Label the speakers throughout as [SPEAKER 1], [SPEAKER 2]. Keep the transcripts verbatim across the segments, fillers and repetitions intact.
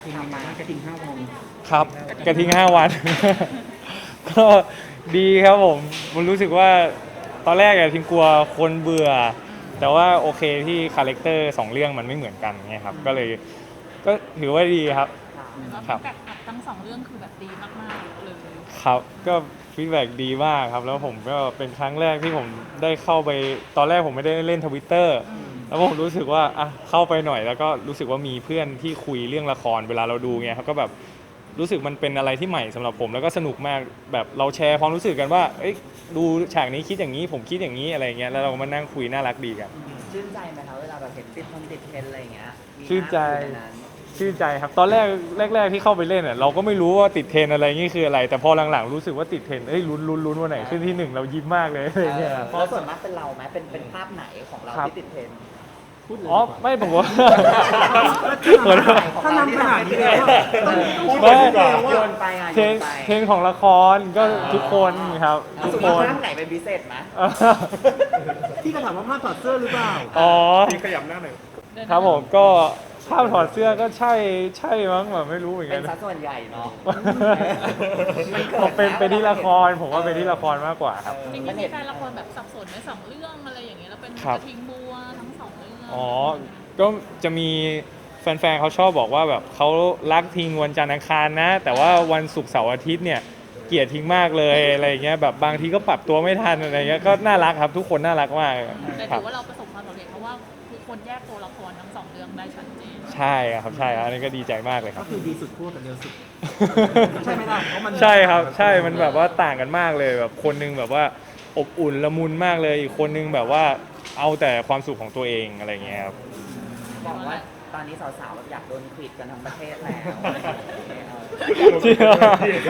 [SPEAKER 1] ทิ้งยังไงบ้างกระทิงห้าวัน
[SPEAKER 2] ครับกระทิงห้าวัน ก็ดีครับผมผมรู้สึกว่าตอนแรกอะทิงกลัวคนเบื่อแต่ว่าโอเคที่คาแรคเตอร์สองเรื่องมันไม่เหมือนกันไงครับก็เลยก็ถือว่าดีครับ
[SPEAKER 3] ครับฟีดแบ็กทั้งสองเรื่องคือแบบดีมากๆเลย
[SPEAKER 2] ครับก็ฟีดแบ็กดีมากครับแล้วผมก็เป็นครั้งแรกที่ผมได้เข้าไปตอนแรกผมไม่ได้เล่น Twitter แล้วผมรู้สึกว่าอ่ะเข้าไปหน่อยแล้วก็รู้สึกว่ามีเพื่อนที่คุยเรื่องละครเวลาเราดูเงี้ยครับก็แบบรู้สึกมันเป็นอะไรที่ใหม่สำหรับผมแล้วก็สนุกมากแบบเราแชร์ความรู้สึกกันว่าเอ้ยดูฉากนี้คิดอย่างนี้ผมคิดอย่างนี้อะไรเงี้ยแล้วเรามานั่งคุยน่ารักดีกัน
[SPEAKER 4] ชื่นใจไหมคะเวลาแบบเห็นติดทนติดเทรนอะไรอย่างเงี้ยมี
[SPEAKER 2] ชื่นใจ
[SPEAKER 4] ภาพอยู่ในนั้น
[SPEAKER 2] ชื่นใจครับตอนแรกแรก ๆที่เข้าไปเล่นอ่ะเราก็ไม่รู้ว่าติดเทรนอะไรนี่คืออะไรแต่พอหลังๆรู้สึกว่าติดเทรนเอ้ยลุ้นลุ้นลุ้นวันไหนขึ้นที่หนึ่งเรายิ้มมากเลยอะไรเงี้ย
[SPEAKER 4] เพราะส่วนมากเป็นเราไหมเป็นเป็นภาพไหนของเรา
[SPEAKER 2] ครับ
[SPEAKER 4] ที่ติดเทรนด์
[SPEAKER 1] พูดเลย
[SPEAKER 2] อ๋อไม่ผมว่าเหมือนว่า
[SPEAKER 1] ถ้านำขนาดนี้แล้วต้องพูด
[SPEAKER 2] ไม่
[SPEAKER 1] เลยดีกว่า
[SPEAKER 4] โย
[SPEAKER 1] ว่าน
[SPEAKER 4] ไปอ่ะ
[SPEAKER 2] เทรน
[SPEAKER 4] โยนไป
[SPEAKER 2] เทรนของละครก็ทุกคนครับทุก
[SPEAKER 4] สุด
[SPEAKER 2] ค
[SPEAKER 4] ว่าน ภาพไหนเป็นพิเศษไหม
[SPEAKER 1] ที่กระถามว่าภาพถอดเสื้อหรือเปล่า
[SPEAKER 2] อ๋อ
[SPEAKER 1] ที่ขยับหน้าหน่อย
[SPEAKER 2] ครับผมก็ภาพถอดเสื้อก็ใช่ใช่มั้งแบบไม่รู้เหมือน
[SPEAKER 4] เป็
[SPEAKER 2] กัน น
[SPEAKER 4] สัดส่วนใหญ่เนาะ
[SPEAKER 2] ผมเป็นเป็นที่ละครผมว่าเป็นที่ละครมากกว่าครับ
[SPEAKER 3] จริง
[SPEAKER 4] มัน
[SPEAKER 3] ๆมี
[SPEAKER 4] เห็น
[SPEAKER 3] แฟนละครแบบสับสนในสองเรื่องอะไรอย่างเงี้ยแล้วเป็น
[SPEAKER 2] ครั
[SPEAKER 3] ก
[SPEAKER 2] บ
[SPEAKER 3] ระทิงบัวทั้งสองเรื่อง
[SPEAKER 2] อ๋อก็จะมีแฟนๆเขาชอบบอกว่าแบบเขารักทิ้งวันจันทร์อังคารนะ แต่ว่าวันศุกร์เสาร์อาทิตย์เนี่ยเกลียดทิ้งมากเลยอะไรอย่างเงี้ยแบบบางทีก็ปรับตัวไม่ทันอะไรเงี้ยก็น่ารักครับทุกคนน่ารักมาก
[SPEAKER 3] แต่
[SPEAKER 2] ครั
[SPEAKER 3] ถื
[SPEAKER 2] บ
[SPEAKER 3] อว่าเราประสบความสำเร็จเพราะว่าคือคนแยกตัวละครทั้งสองเรื่องได้ชัดเจน
[SPEAKER 2] ใช่ครับใช่ครับอันนี้ก็ดีใจมากเลยค
[SPEAKER 1] ก็
[SPEAKER 2] รับ
[SPEAKER 1] คือดีสุดคู่กับเร็วสุด ใช่ไหมล่ะเพราะมัน
[SPEAKER 2] ใช่ครับใช่มันแบบว่าต่างกันมากเลยแบบคนนึงแบบว่าอบอุ่นละมุนมากเลยอีกคนนึงแบบว่าเอาแต่ความสุขของตัวเองอะไรเงี้ยครับ
[SPEAKER 4] บอกว่าตอนนี้สาวๆแบบอยากโดนควิดกันทั้งประเทศแล้ว
[SPEAKER 2] จริงเหรอ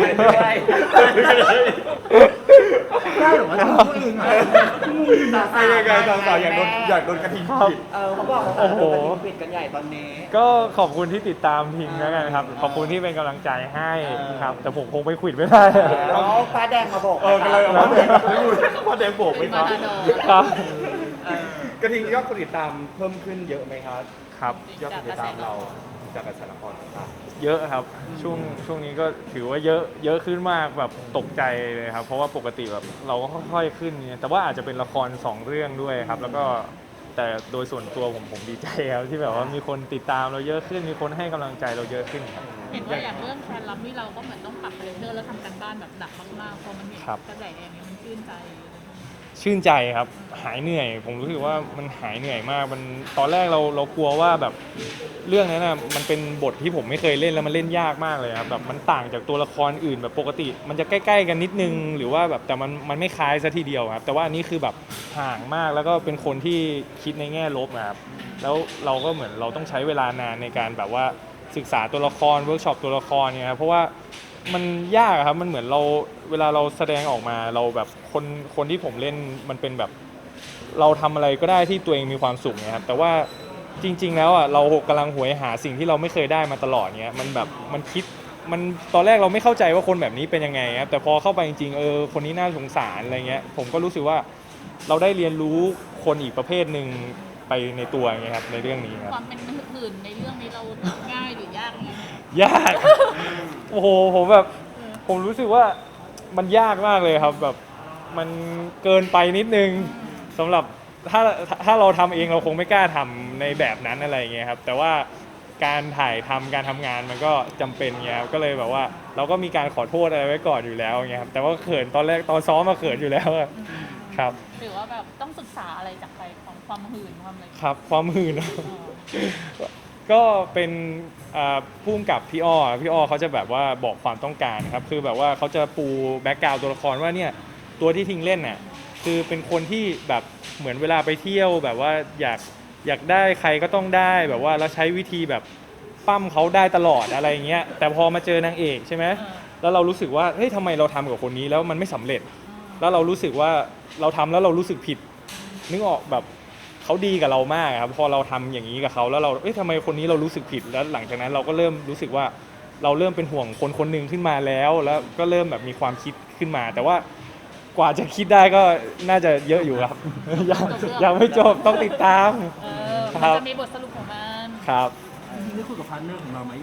[SPEAKER 1] ได้เหรอวะตัวเองอ่ะ
[SPEAKER 4] ใช่ยังไงสาวๆอยากโดนอยาก
[SPEAKER 1] โดนกระทิง
[SPEAKER 2] ครับ
[SPEAKER 4] เออเขาบอกว่า
[SPEAKER 2] โอ้โห
[SPEAKER 4] โดนควิดกันใหญ่ตอนนี้
[SPEAKER 2] ก็ขอบคุณที่ติดตามทีมแล้วกันครับ ขอบคุณที่เป็นกำลังใจให้ครับ แต่ผมคงไปขวิดไม่ได้
[SPEAKER 4] เอาฟ้าแดงมาบอก
[SPEAKER 1] เออก็เลยเอามาแดงไม่รู้ว่าแดงโบกไหมครับ
[SPEAKER 2] ครับ
[SPEAKER 1] กระทิงยอดคนติดตามเพิ่มขึ้นเยอะไหมครับ
[SPEAKER 2] ครับ
[SPEAKER 1] ยอดคนติดตามเราจากกระแสละครต่าง
[SPEAKER 2] เยอะครับช่วงช่วงนี้ก็ถือว่าเยอะเยอะขึ้นมากแบบตกใจเลยครับ เพราะว่าปกติแบบเราก็ค่อยๆขึ้นเนี่ยแต่ว่าอาจจะเป็นละครสองเรื่องด้วยครับ แล้วก็แต่โดยส่วนตัวผมผมดีใจครับที่แบบว่ามีคนติดตามเราเยอะขึ้น มีคนให้กำลังใจเราเยอะขึ้นครับ
[SPEAKER 3] เห็นว่าอย่างเรื่องแฟนลับนี่เราก็เหมือนต้องปรับคาแรคเตอร์แล้วทำกันบ้านแบบหนักมากๆพอมันเห็น
[SPEAKER 2] ครับ
[SPEAKER 3] กระแสอย่างเงี้ยมันชื่นใจ
[SPEAKER 2] ชื่นใจครับหายเหนื่อย ผมรู้สึกว่ามันหายเหนื่อยมากมันตอนแรกเราเรากลัวว่าแบบเรื่องนั้นนะมันเป็นบทที่ผมไม่เคยเล่นแล้วมันเล่นยากมากเลยครับแบบมันต่างจากตัวละครอื่นแบบปกติ มันจะใกล้ๆกันนิดนึงหรือว่าแบบแต่มันมันไม่คล้ายซะทีเดียวครับแต่ว่าอันนี้คือแบบห่างมากแล้วก็เป็นคนที่คิดในแง่ลบนะครับแล้วเราก็เหมือนเราต้องใช้เวลานานในการแบบว่าศึกษาตัวละครเวิร์กช็อปตัวละครเนี่ยครับเพราะว่ามันยากครับมันเหมือนเราเวลาเราแสดงออกมาเราแบบคนคนที่ผมเล่นมันเป็นแบบ เราทำอะไรก็ได้ที่ตัวเองมีความสุขเนี่ยครับแต่ว่าจริง ๆ แล้วอ่ะเรากำลังหวยหาสิ่งที่เราไม่เคยได้มาตลอดเนี้ยมันแบบมันคิดมันตอนแรกเราไม่เข้าใจว่าคนแบบนี้เป็นยังไงครับแต่พอเข้าไปจริงๆเออคนนี้น่าสงสารอะไรเงี้ยผมก็รู้สึกว่าเราได้เรียนรู้คนอีกประเภทหนึ่งไปในตัวเงี้ยครับในเรื่องนี้ครับ
[SPEAKER 3] ความเป็นหื่นในเรื่องนี้เราง่ายหรือยากไง
[SPEAKER 2] ยาก โอ้โหผมแบบผมรู้สึกว่ามันยากมากเลยครับแบบมันเกินไปนิดนึงสำหรับถ้าถ้าเราทำเองเราคงไม่กล้าทำในแบบนั้นอะไรอย่างเงี้ยครับแต่ว่าการถ่ายทำการทำงานมันก็จำเป็นเงี้ยครับก็เลยแบบว่าเราก็มีการขอโทษอะไรไว้ก่อนอยู่แล้วเงี้ยครับแต่ว่าเขินตอนแรกตอนซ้อมมาเขินอยู่แล้วอะครับ
[SPEAKER 3] หรือว่าแบบต้องศึกษาอะไรจากใครของความหื่นความอะไร
[SPEAKER 2] ครับความหื่น
[SPEAKER 3] เออ
[SPEAKER 2] ก็เป็นอ่าผู้กำกับพี่อ้อพี่อ้อเขาจะแบบว่าบอกความต้องการครับคือแบบว่าเขาจะปูแบ็กกราวด์ตัวละครว่าเนี่ยตัวที่ทิ้งเล่นน่ะคือเป็นคนที่แบบเหมือนเวลาไปเที่ยวแบบว่าอยากอยากได้ใครก็ต้องได้แบบว่าแล้วใช้วิธีแบบปั้มเขาได้ตลอดอะไรอย่างเงี้ยแต่พอมาเจอนางเอกใช่ไหมแล้วเรารู้สึกว่าเฮ้ยทำไมเราทำกับคนนี้แล้วมันไม่สำเร็จ แล้วเรารู้สึกว่าเราทำแล้วเรารู้สึกผิดนึกออกแบบเขาดีกับเรามากครับพอเราทำอย่างนี้กับเขาแล้วเราเอ๊ะทำไมคนนี้เรารู้สึกผิดแล้วหลังจากนั้นเราก็เริ่มรู้สึกว่าเราเริ่มเป็นห่วงคนคนหนึ่งขึ้นมาแล้ว แล้วก็เริ่มแบบมีความคิดขึ้นมา แต่ว่ากว่าจะคิดได้ก็น่าจะเยอะอยู่ครับ ยังยังไม่จบต้องติดตาม
[SPEAKER 3] เออ
[SPEAKER 2] ครั
[SPEAKER 3] มัน
[SPEAKER 2] บ
[SPEAKER 3] จะมีบทสรุปของมัน
[SPEAKER 2] ครับ
[SPEAKER 1] ๆจริงๆได้คุยกับพาร์ทเนอร์ของเราไหมอย่างบัวโค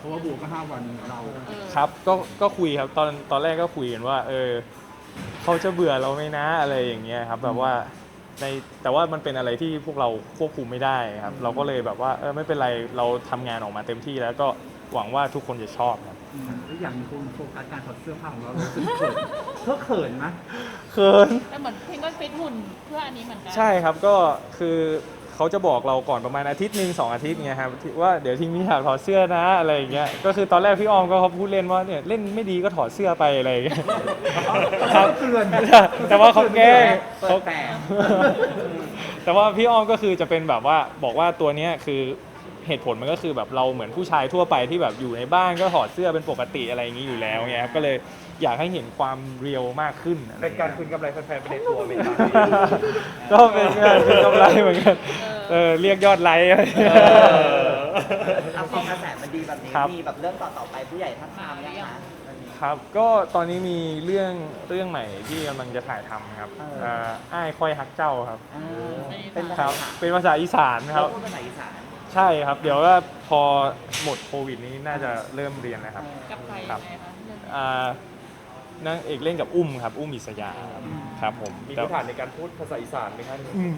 [SPEAKER 5] ราะว่าบัวก็ห้าวันเรา
[SPEAKER 3] เออ
[SPEAKER 2] ครับก็ก็คุยครับตอนตอนแรกก็คุยกันว่า เออเขาจะเบื่อเราไหมนะอะไรอย่างเงี้ยครับแบบว่าในแต่ว่ามันเป็นอะไรที่พวกเราควบคุมไม่ได้ครับ เราก็เลยแบบว่าเออไม่เป็นไรเราทำงานออกมาเต็มที่แล้วก็หวังว่าทุกคนจะชอบครับ
[SPEAKER 5] อืมแล้วอย่างคนโฟกัสการถอดเสื้อผ้าของเราเรารู้สึกเขินเธอเขินไหม
[SPEAKER 2] เขิน
[SPEAKER 3] แต่เหมือนเพลงก็ฟิตหุ่นเพื่ออันนี้เหมือนกัน
[SPEAKER 2] ใช่ครับก็คือเขาจะบอกเราก่อนประมาณอาทิตย์หนึ่งสองอาทิตย์เงี้ยครับที่ว่าเดี๋ยวทีนี้อยากถอดเสื้อนะอะไรอย่างเงี้ยก็คือตอนแรกพี่ออมก็เขาพูดเล่นว่าเนี่ยเล่นไม่ดีก็ถอดเสื้อไปอะไรอย่างเงี้ยครับ
[SPEAKER 5] เตือน
[SPEAKER 2] แต่ว่าเขาแกล้ง
[SPEAKER 4] เปิ
[SPEAKER 2] เขา
[SPEAKER 4] ดแปลก
[SPEAKER 2] แต่ว่าพี่อ้อมก็คือจะเป็นแบบว่าบอกว่าตัวเนี้ยคือเหตุผลมันก็คือแบบเราเหมือนผู้ชายทั่วไปที่แบบอยู่ในบ้านก็ถอดเสื้อเป็นปกติอะไรอย่างนี้อยู่แล้วเงี้ยครับก็เลยอยากให้เห็นความเรียวมากขึ้นอะไร
[SPEAKER 1] เป็นการคืนกำไรแฟนๆไปในตัวไหมครับ
[SPEAKER 2] ก็เป็นการคืนกำไรเหมือนกันเออเรียกยอดไลค์อะไรอย่างเงี้ย
[SPEAKER 4] เอาพอกระแสมันดีแบบนี้
[SPEAKER 2] ครับ
[SPEAKER 4] มีแบบเรื่องต่อๆไปผู้ใหญ่ท่านทามยังคะ
[SPEAKER 2] ครับก็ตอนนี้มีเรื่องเรื่องใหม่ที่กำลังจะถ่ายทำครับ
[SPEAKER 4] เออ
[SPEAKER 2] เอ่ออ้ายค่อยฮักเจ้าครับ
[SPEAKER 4] เออเป็นภา
[SPEAKER 2] ค
[SPEAKER 4] ษา
[SPEAKER 2] รับ
[SPEAKER 4] อีสาน
[SPEAKER 2] เป็นภาษาอีสานค
[SPEAKER 4] เรา
[SPEAKER 2] รับ
[SPEAKER 4] พูดภาษาอีสาน
[SPEAKER 2] ใช่ครับ เดี๋ยวว่าพอหมดโควิดนี้น่าจะเริ่มเรียนนะครับ
[SPEAKER 3] กับใคร
[SPEAKER 2] ครั
[SPEAKER 3] ยั
[SPEAKER 2] บ
[SPEAKER 3] งไงคะเรื่องนี้
[SPEAKER 2] อ่านางเอกเล่นกับอุ้มครับ อุ้มอิสยาครับครับผม
[SPEAKER 1] มี
[SPEAKER 2] แต่
[SPEAKER 1] พื้นฐานในการพูดภาษาอีสานไหมครับ
[SPEAKER 2] อืม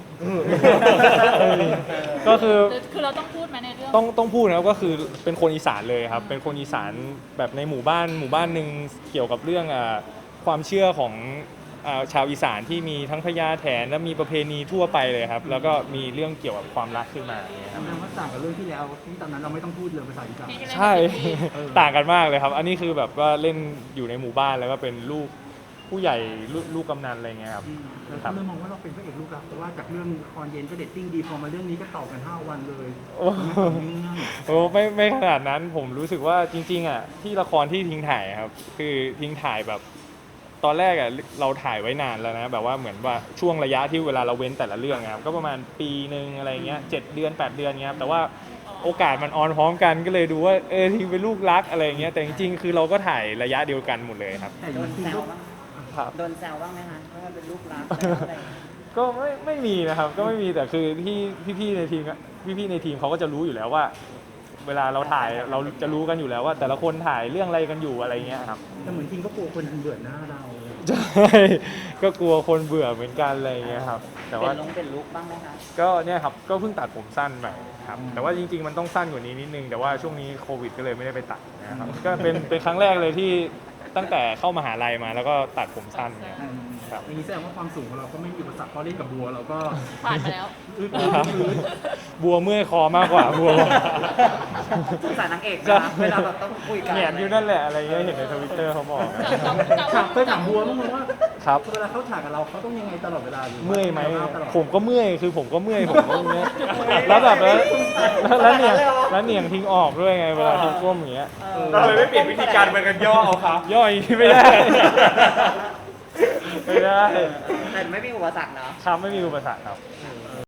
[SPEAKER 2] ก็คือ
[SPEAKER 3] คือคือเราต้องพูดไหมในเรื่อง
[SPEAKER 2] ต้องต้องพูดนะครับก็คือเป็นคนอีสานเลยครับ เป็นคนอีสานแบบในหมู่บ้านหมู่บ้านหนึ่งเกี่ยวกับเรื่องอ่าความเชื่อของอ่าชาวอีสานที่มีทั้งพญาแถนและมีประเพณีทั่วไปเลยครับ แล้วก็มีเรื่องเกี่ยวกับความรักขึ้นมาอย่างเงี้ยครับ
[SPEAKER 5] แสดงว่าต่างกับเรื่องที่แล้วที่ตอนนั้นเราไม่ต้องพูดเลยภาษาอีสาน
[SPEAKER 3] ที่เล่น
[SPEAKER 2] ใช่
[SPEAKER 3] เป็นพี่
[SPEAKER 2] ต่างกันมากเลยครับ อันนี้คือแบบว่าเล่นอยู่ในหมู่บ้านแล้วก็เป็นลูกผู้ใหญ่ลูกลูกกำนันอะไรเงี้ยครับ
[SPEAKER 5] อืมแล้ว
[SPEAKER 2] ครั
[SPEAKER 5] ก็
[SPEAKER 2] บ
[SPEAKER 5] เริ่มมองว่าเราเป็นพระเอกลูกรักเพราะว่าจากเรื่องคอนเย็นก็เดตติ้งดีพอมาเรื่องนี้ก็ต่อกันห้าวันเลย
[SPEAKER 2] โอ้
[SPEAKER 5] ไม่ต่อเนื่อง
[SPEAKER 2] โอ้ไม่ไม่ขนาดนั้นผมรู้สึกว่าจริง ๆอ่ะที่ละครที่ทิ้งถ่ายครับ คือทิ้งถ่ายแบบ ตอนแรกอ่ะเราถ่ายไว้นานแล้วนะแบบว่าเหมือนว่าช่วงระยะที่เวลาเราเว้นแต่ละเรื่องอะครับก็ประมาณปีหนึ่งอะไรเงี้ยเจ็ดเดือนแปดเดือนเงี้ยครับแต่ว่าโอกาสมันออนพร้อมกันก็เลยดูว่าเออทิ้งเป็นลูกรักอะไรเงี้ยแต่จริงๆคือเราก็ถ่ายระยะเดียวกันหมดเลยครับ
[SPEAKER 5] แต่
[SPEAKER 4] โดน
[SPEAKER 5] จริง
[SPEAKER 4] แซ
[SPEAKER 5] ๆก็
[SPEAKER 4] วบ้าง
[SPEAKER 2] ครับ
[SPEAKER 4] โดนแซวบ้างไหมคะว่าเป็นลูกรักอะไรอย่างเงี้ย
[SPEAKER 2] ก็ไม่ไม่มีนะครับ ก็ไม่มีแต่คือที่พี่ๆในทีมพี่ๆในทีมเขาก็จะรู้อยู่แล้วว่า เวลาเราถ่ายเราจะรู้กันอยู่แล้วว่า แต่ละคนถ่ายเรื่องอะไรกันอยู่อะไรเงี้ยครับ
[SPEAKER 5] แต่เหมือนจริงก็กลัวคนเบื่อหน้าเรา
[SPEAKER 2] ใช่ก็กลัวคนเบื่อเหมือนกันอะไรเงี้ยครับ แต่
[SPEAKER 4] เป็
[SPEAKER 2] ว่า
[SPEAKER 4] นลงเป็นลุกบ้างไหมคะ
[SPEAKER 2] ก็เนี่ยครับก็เพิ่งตัดผมสั้นไปครับแต่ว่าจริง ๆ มันต้องสั้นกว่านี้นิดนึงแต่ว่าช่วงนี้โควิดก็เลยไม่ได้ไปตัดนะครับก็เป็นเป็นครั้งแรกเลยที่ตั้งแต่เข้ามหาลัยมาแล้วก็ตัดผมสั้นเนี่ย ครับ
[SPEAKER 5] อย่างนี้แสดงว่าความสูงของเราก็ไม่มีอุปสรรคเพราะเล่นกับบัวเราก็
[SPEAKER 3] ผ่านไปแล้ว
[SPEAKER 5] อึด
[SPEAKER 2] ครับบัวเมื่อยคอมากกว่าบัว
[SPEAKER 4] สงสารนางเอก
[SPEAKER 2] ใช่
[SPEAKER 4] นะเวลาแบบต้องคุยกัน
[SPEAKER 2] เหนียนอยู่นั่นแหละอะไรเงี้ยเห็นในทวิตเตอร์เขาบอก
[SPEAKER 5] ถามเคยถามบัวบ้างไหมว่า
[SPEAKER 2] ครับ
[SPEAKER 5] เวลาเขาฉากกับเราเขาต้องยังไงตลอดเวลาหรือว่า
[SPEAKER 2] เมื่อยไหม
[SPEAKER 5] ตลอด
[SPEAKER 2] ผมก็เมื่อยคือผมก็เมื่อยผมก็เมื่อยแล้วแบบแล้วแล้วแล้วเนี่ยแล้วเหนียงทิ้งออกด้วยไงเวลาทิ้งก้มอย่างเงี้ย
[SPEAKER 4] เออ
[SPEAKER 1] เราเลยไม่เปลี่ยนวิธีการเป็นกันย่อเอาครับ
[SPEAKER 2] ย่อยไม่ได้ ไม่ได้
[SPEAKER 4] แต่ไม่มีอุปสรรคเนาะ
[SPEAKER 2] ครับไม่มีอุปสรรคครับ
[SPEAKER 4] อ